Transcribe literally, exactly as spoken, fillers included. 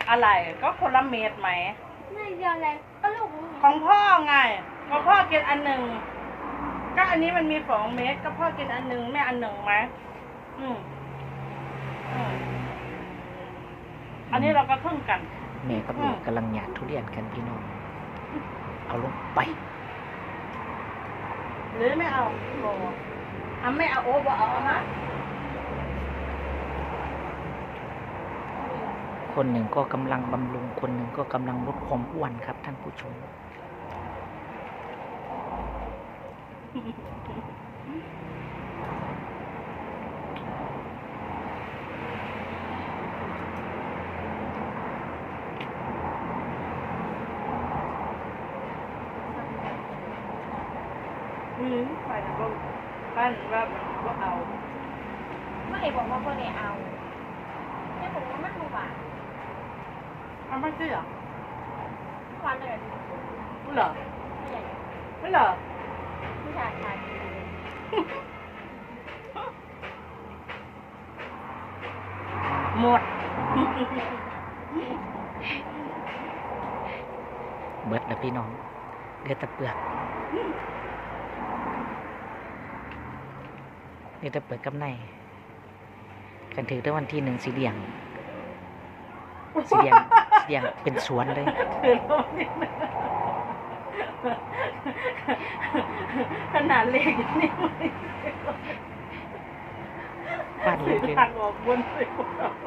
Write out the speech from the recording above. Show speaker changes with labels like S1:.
S1: อะไรก็คนละเม็ดไหม
S2: ไม่เดียวเลยก็ลูก
S1: ของพ่อไงก็พ่อกินอันหนึ่งก็อันนี้มันมีสองเม็ดก็พ่อกินอันหนึ่งแม่อันหนึ่งไหมอืมอืมอันนี้เราก็ครึ่งกัน
S3: แม่กับลูกกำลังหยาดทุเรียนกันพี่น้องเอาลงไป
S1: หรือไม่เอาโอ้ทำไม่เอาโอ้บ่เอาฮะ
S3: คนหนึ่งก็กำลังบำรุงคนหนึ่งก็กำลังลดความอ้วนครับท่านผู้ชม
S1: อืมไปนะก็ปั้นว่าว่าเอา
S2: ไม่บอกว่าคนไหนเอาแม่บอกว่ามันหวาน
S1: เอาไม่ใช่เหรอ
S2: หวานเลย
S1: ไม่เหรอไม่เหรอ
S2: ผู้ชายชาย
S1: หมด
S3: เบิดแล้วพี่น้องเดือดตะเปลือกนี่ตะเปลือกกับในกันถือได้วันที่หนึ่งสีเหลี่ยงสีเหลี่ยงสีเหลี่ยงเป็นสวนเลย
S1: ขนาดเล็กอย่างนี้
S3: บ้านเล็กเลย
S1: ทางออกบนเลย